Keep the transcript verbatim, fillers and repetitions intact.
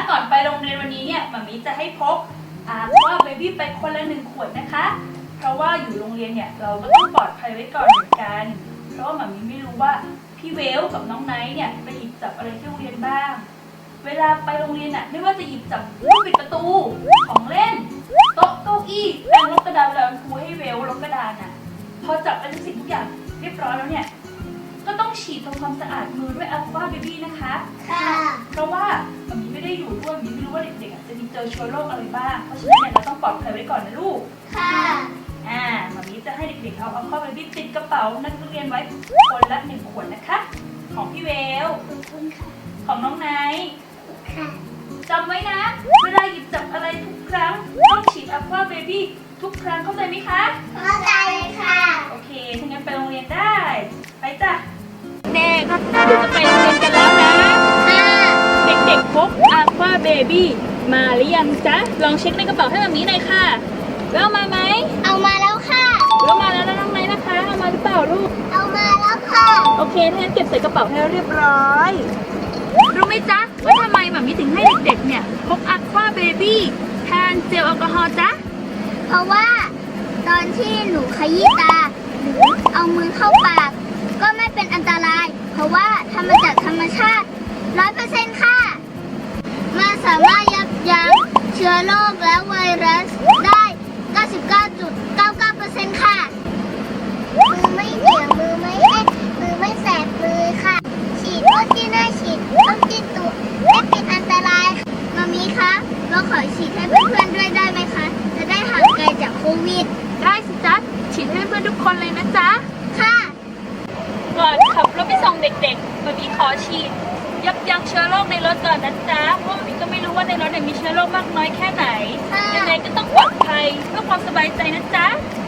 ก่อนไปโรงเรียนวันนี้เนี่ยมามีจะให้พกอาว่าเบบี้ไปคนละหนึ่งขวดนะคะเพราะว่าอยู่โรงเรียนเนี่ยเราก็ต้องปลอดภัยไว้ก่อนเหมือนกันเพราะว่ามามีไม่รู้ว่าพี่เวลกับน้องไนท์เนี่ยไปหยิบจับอะไรที่โรงเรียนบ้างเวลาไปโรงเรียนน่ะไม่ว่าจะหยิบจับลูกบิดประตูของเล่นโต๊ะเก้าอี้แปรงลบกระดานเวลาครูให้เวลลบกระดานน่ะพอจับไปทุกสิ่งทุกอย่างเรียบร้อยแล้วเนี่ยก็ต้องฉีดทำความสะอาดมือด้วยอัลฟาเบบี้นะคะค่ะเพราะว่ามันมีไม่ได้อยู่ด้วยมีไม่รู้ว่าเด็กๆจะมีเจอเชื้อโรคอะไรบ้างเพราะฉะนั้นเนี่ยเราต้องปลอดภัยไว้ก่อนนะลูกค่ะอ่ามามีจะให้เด็กๆเอาอัลฟาเบบี้ติดกระเป๋านักเรียนไว้คนละหนึ่งขวดนะคะของพี่เวลของน้องไนท์จำไว้นะเวลาหยิบจับอะไรทุกครั้งต้องฉีดอัลฟาเบบี้ทุกครั้งเข้าใจไหมคะเข้าใจค่ะโอเคถ้างั้นไปโรงเรียนได้ไปจ้ะเด็กเดี๋ยวจะไปโรงเรียนกันแล้วนะเด็กๆพกอัลฟาเบบี้มาหรือยังจ๊ะลองเช็คในกระเป๋าให้แบบนี้หน่อยค่ะแล้วมาไหมเอามาแล้วค่ะแล้วมาแล้วนะน้องไนท์นะคะเอามาหรือเปล่าลูกเอามาแล้วค่ะโอเคถ้างั้นเก็บใส่กระเป๋าให้เรียบร้อยรู้ไหมจ๊ะว่าทำไมหมามิถึงให้เด็กๆเนี่ยพกอัลฟาเบบี้แทนเจลแอลกอฮอล์จ๊ะเพราะว่าตอนที่หนูขยี้ตาหรือเอามือเข้าปากก็ไม่เป็นอันตรายเพราะว่าทำมาจากธรรมชาติ ร้อยเปอร์เซ็นต์ ค่ะมันสามารถยับยั้งเชื้อโรคและไวรัสได้ เก้าสิบเก้าจุดเก้าเก้าเปอร์เซ็นต์ ค่ะมือไม่เหนียวมือไม่แห้งมือไม่แสบเลยค่ะฉีดพ่นที่หน้าฉีดพ่นที่ตัวไม่เป็นอันตรายมามีคะเราขอฉีดให้เพื่อนๆด้วยได้ไหมคะจะได้ห่างไกลจากโควิดได้สิจ๊ะฉีดให้เพื่อนทุกคนเลยนะจ๊ะค่ะก่อนขับรถไปส่งเด็กๆมามีขอฉีดยับยั้งเชื้อโรคในรถก่อนนะจ๊ะเพราะมามีก็ไม่รู้ว่าในรถมีเชื้อโรคมากน้อยแค่ไหนยังไงก็ต้องปลอดภัยเพื่อความสบายใจนะจ๊ะ